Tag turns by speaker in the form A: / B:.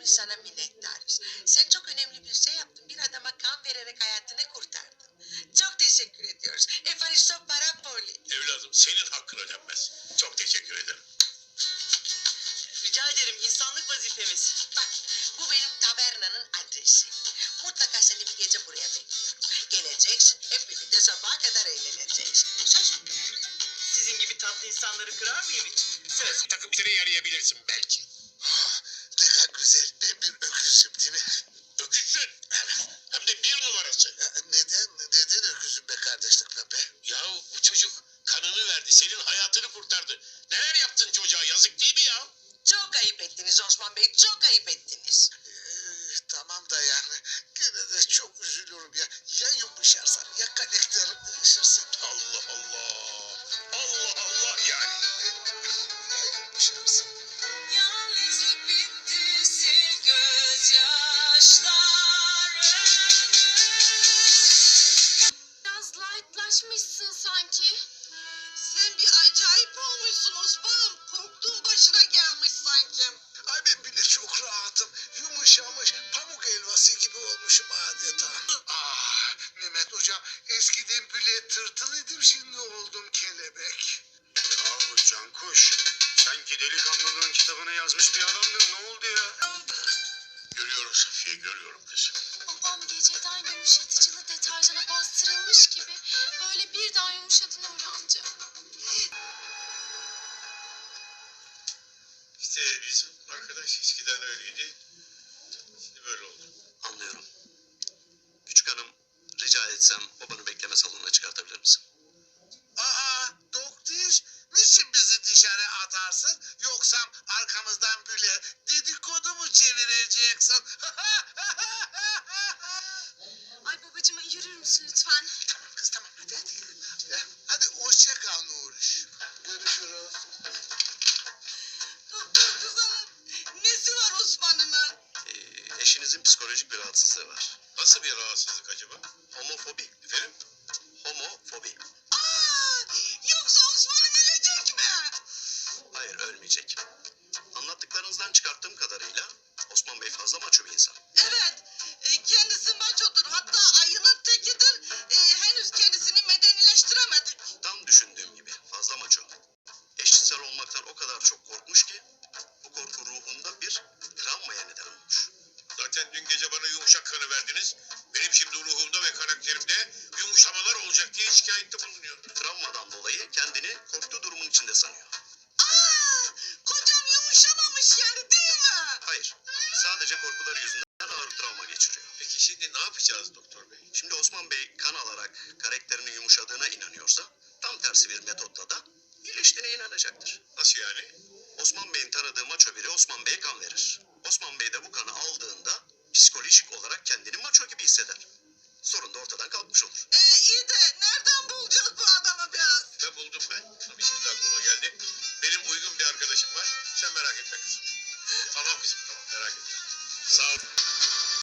A: sana minnettarız. Sen çok önemli bir şey yaptın. Bir adama kan vererek hayatını kurtardın. Çok teşekkür ediyoruz. Efaristo Parapoli.
B: Evladım senin hakkına denmez. Çok teşekkür ederim.
C: Rica ederim, insanlık vazifemiz.
A: Bak, bu benim tavernanın adresi. Mutlaka seni bir gece buraya bekliyorum. Geleceksin, hep birlikte sabaha kadar eğleneceğiz. Söz mü?
C: Sizin gibi tatlı insanları kırar mıyım hiç? Söz.
B: Takım seni yarayabilirsin belki.
D: Ne kadar güzel bir öküzüm değil mi?
B: Öküzsün. Hem de bir numarası.
D: Neden öküzüm be kardeşlik be?
B: Yahu bu çocuk kanını verdi. Senin hayatını kurtardı. Neler yaptın çocuğa, yazık değil mi ya?
A: Çok ayıp ettiniz Osman Bey, çok ayıp ettiniz.
D: Tamam da yani gene de çok üzülüyorum ya. Ya yumuşarsam ya karakterim değişirse.
B: Allah Allah. Allah Allah yani.
D: Ya yumuşarsam.
A: Yalnızlık bitti, sil gözyaşlarını.
E: Biraz lightlaşmışsın sanki.
A: Sen bir acayip olmuşsun Osman'ım. Korktuğun başına gelmiş sanki.
D: Ay ben bile çok rahatım. Yumuşamış pamuk helvası gibi olmuşum adeta. Ah Mehmet hocam eskiden bile tırtıl idim şimdi oldum kelebek.
B: Yahu Cankuş. Sanki delikanlılığın kitabını yazmış bir adamdın. Ne oldu ya? Görüyorum Safiye, görüyorum kızım.
E: Babam geceden yumuşatıcılı deterjana bastırılmış gibi böyle birden yumuşadın Nuri amca.
B: İşte bizim arkadaş eskiden öyleydi. Şimdi böyle oldu.
F: Anlıyorum. Küçük hanım, rica etsem babanı bekleme salonuna çıkartabilir misin?
D: Aa doktor niçin bizi dışarı atarsın yoksa arkamızdan böyle dedikodu mu çevireceksin?
E: Ay babacığım yürür müsün lütfen?
D: Tamam kız tamam hadi. Hadi hoşça kal Nuriş. Görüşürüz.
A: Doktor kız hanım, nesi var Osman'ımın?
F: Eşinizin psikolojik bir rahatsızlığı var.
B: Nasıl bir rahatsızlık acaba?
F: Homofobi.
B: Efendim?
F: Homofobi.
A: Aa, yoksa Osman'ım ölecek mi?
F: Hayır, ölmeyecek. Anlattıklarınızdan çıkarttığım kadarıyla Osman Bey fazla maço bir insan.
A: Evet, kendisi maçodur. Hatta ayının tekidir. Henüz kendisini medenileştiremedik.
F: Tam düşündüğüm gibi fazla maço. Eşcinsel olmaktan o kadar çok korkmuş ki bu korku ruhunda bir travmaya neden olmuş.
B: Zaten dün gece bana yumuşak kanı verdiniz. Benim şimdi ruhumda ve karakterimde yumuşamalar olacak diye şikayette bulunuyor.
F: Travmadan dolayı kendini korktuğu durumun içinde sanıyor.
A: Aa, kocam yumuşamamış yani değil mi?
F: Hayır, sadece korkuları yüzünden ağır travma geçiriyor.
B: Peki şimdi ne yapacağız doktor bey?
F: Şimdi Osman Bey kan alarak karakterinin yumuşadığına inanıyorsa tam tersi bir metotla da iyileştiğine inanacaktır.
B: Nasıl yani?
F: Osman Bey'in tanıdığı maço biri Osman Bey'e kan verir. Osman Bey de bu kanı aldığında psikolojik olarak kendini maço gibi hisseder. Sorun da ortadan kalkmış olur.
A: İyi de nereden bulacağız bu adamı biraz?